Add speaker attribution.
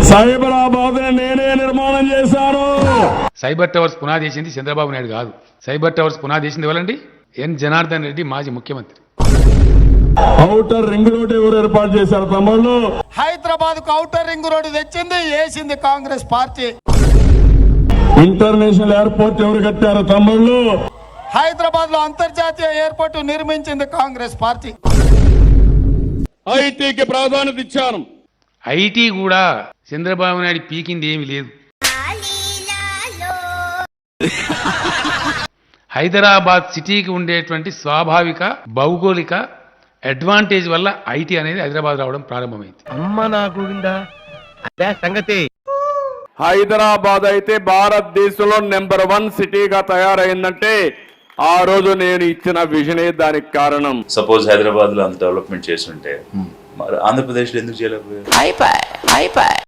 Speaker 1: సైబరాబాద్ నేనే నిర్మాణం చేశాను.
Speaker 2: సైబర్ టవర్స్ పునాది వేసింది చంద్రబాబు నాయుడు కాదు. సైబర్ టవర్స్ పునాది వేసింది ఎవరండి? ఎన్ జనార్దన్ రెడ్డి, మాజీ ముఖ్యమంత్రి.
Speaker 1: ఔటర్ రింగ్ రోడ్ ఎవరు ఏర్పాటు చేశారు తమ్ముళ్ళు?
Speaker 3: హైదరాబాద్ కు ఔటర్ రింగ్ రోడ్ తెచ్చింది వేసింది కాంగ్రెస్ పార్టీ.
Speaker 1: ఇంటర్నేషనల్ ఎయిర్పోర్ట్ ఎవరు కట్టారు తమ్ముళ్ళు?
Speaker 3: హైదరాబాద్ లో అంతర్జాతీయ ఎయిర్పోర్ట్ నిర్మించింది కాంగ్రెస్ పార్టీ.
Speaker 1: ఐటీకి ప్రాధాన్యత ఇచ్చాను.
Speaker 2: ఐటీ కూడా చంద్రబాబు నాయుడు పీకింది ఏమీ లేదు. హైదరాబాద్ సిటీకి ఉండేటువంటి స్వాభావిక భౌగోళిక అడ్వాంటేజ్ వల్ల ఐటీ అనేది హైదరాబాద్ రావడం ప్రారంభమైంది.
Speaker 4: సంగతి
Speaker 1: హైదరాబాద్ అయితే భారతదేశంలో నెంబర్ 1 సిటీగా తయారైందంటే ఆ రోజు నేను ఇచ్చిన విజనే దానికి కారణం.
Speaker 5: సపోజ్ హైదరాబాద్ లో అంత డెవలప్మెంట్ చేస్తుంటే మరి ఆంధ్రప్రదేశ్ లో ఎందుకు చేయలేకపోయారు?